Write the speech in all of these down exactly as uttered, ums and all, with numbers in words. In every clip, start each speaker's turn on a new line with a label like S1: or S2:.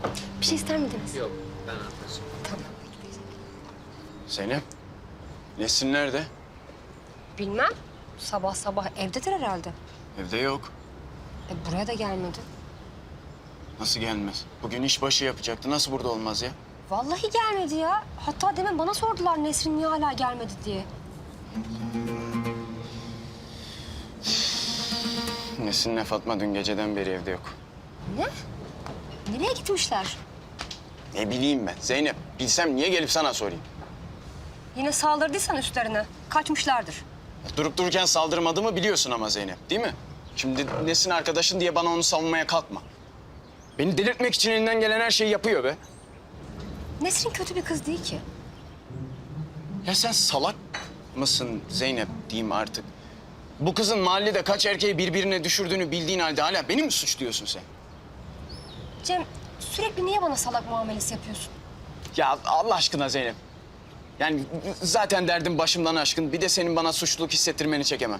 S1: Bir şey ister miydiniz?
S2: Yok, ben anlatacağım.
S1: Tamam.
S3: Zeynep, Nesrin nerede?
S1: Bilmem. Sabah sabah evdedir herhalde.
S3: Evde yok.
S1: E, buraya da gelmedi.
S3: Nasıl gelmez? Bugün işbaşı yapacaktı. Nasıl burada olmaz ya?
S1: Vallahi gelmedi ya. Hatta demin bana sordular Nesrin niye hala gelmedi diye.
S3: Nesrin'le Fatma dün geceden beri evde yok.
S1: Ne? Nereye gitmişler?
S3: Ne bileyim ben. Zeynep, bilsem niye gelip sana sorayım?
S1: Yine saldırdıysan üstlerine. Kaçmışlardır.
S3: Durup dururken saldırmadığımı biliyorsun ama Zeynep, değil mi? Şimdi Nesrin arkadaşın diye bana onu savunmaya kalkma. Beni delirtmek için elinden gelen her şeyi yapıyor be.
S1: Nesrin kötü bir kız değil ki.
S3: Ya sen salak mısın Zeynep diyeyim artık. Bu kızın mahallede kaç erkeği birbirine düşürdüğünü bildiğin halde hala beni mi suçluyorsun sen?
S1: Cem sürekli niye bana salak muamelesi yapıyorsun?
S3: Ya Allah aşkına Zeynep. Yani zaten derdim başımdan aşkın. Bir de senin bana suçluluk hissettirmeni çekemem.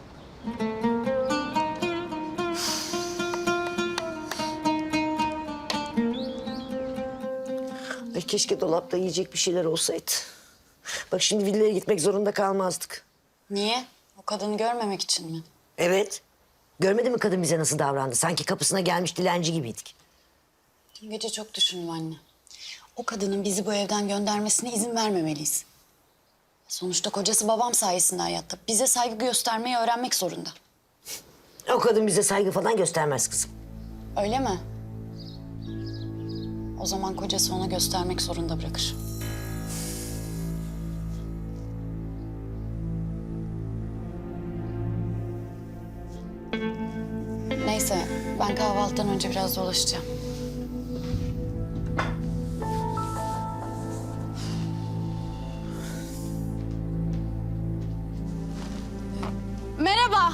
S4: Ay keşke dolapta yiyecek bir şeyler olsaydı. Bak şimdi villaya gitmek zorunda kalmazdık.
S5: Niye? O kadını görmemek için mi?
S4: Evet. Görmedin mi kadın bize nasıl davrandı? Sanki kapısına gelmiş dilenci gibiydik.
S5: Dün gece çok düşündüm anne. O kadının bizi bu evden göndermesine izin vermemeliyiz. Sonuçta kocası babam sayesinde hayatta. Bize saygı göstermeyi öğrenmek zorunda.
S4: O kadın bize saygı falan göstermez kızım.
S5: Öyle mi? O zaman kocası ona göstermek zorunda bırakır. Neyse, ben kahvaltıdan önce biraz dolaşacağım. Merhaba.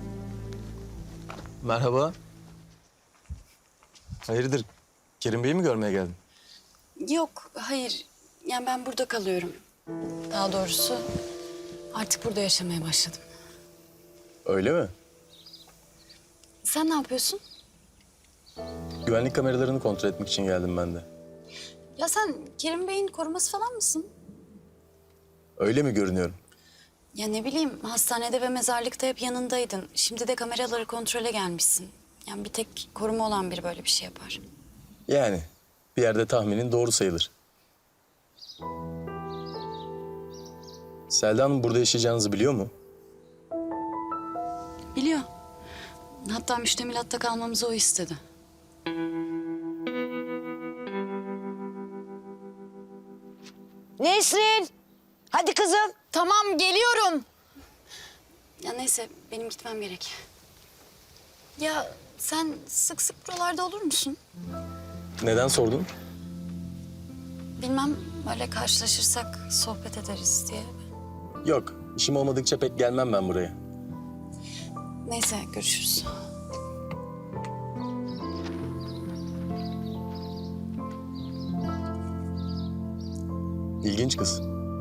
S6: Merhaba. Hayırdır? Kerim Bey'i mi görmeye geldin?
S5: Yok, hayır. Yani ben burada kalıyorum. Daha doğrusu artık burada yaşamaya başladım.
S6: Öyle mi?
S5: Sen ne yapıyorsun?
S6: Güvenlik kameralarını kontrol etmek için geldim ben de.
S5: Ya sen Kerim Bey'in koruması falan mısın?
S6: Öyle mi görünüyorum?
S5: Ya ne bileyim, hastanede ve mezarlıkta hep yanındaydın. Şimdi de kameraları kontrole gelmişsin. Yani bir tek koruma olan biri böyle bir şey yapar.
S6: Yani bir yerde tahminin doğru sayılır. Selda Hanım burada yaşayacağınızı biliyor mu?
S5: Biliyor. Hatta müştemilatta kalmamızı o istedi.
S4: Nesrin! Hadi kızım.
S5: Tamam, geliyorum. Ya neyse, benim gitmem gerek. Ya sen sık sık buralarda olur musun?
S6: Neden sordun?
S5: Bilmem, böyle karşılaşırsak sohbet ederiz diye.
S6: Yok, işim olmadıkça pek gelmem ben buraya.
S5: Neyse, görüşürüz.
S6: İlginç kız.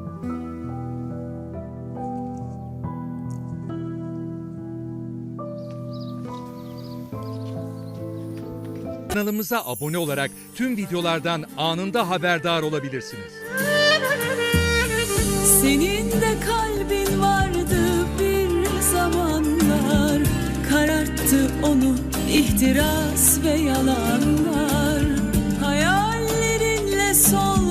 S7: Kanalımıza abone olarak tüm videolardan anında haberdar olabilirsiniz.
S8: Senin de kalbin vardı bir zamanlar, kararttı onu ihtiras ve yalanlar. Hayallerinle sol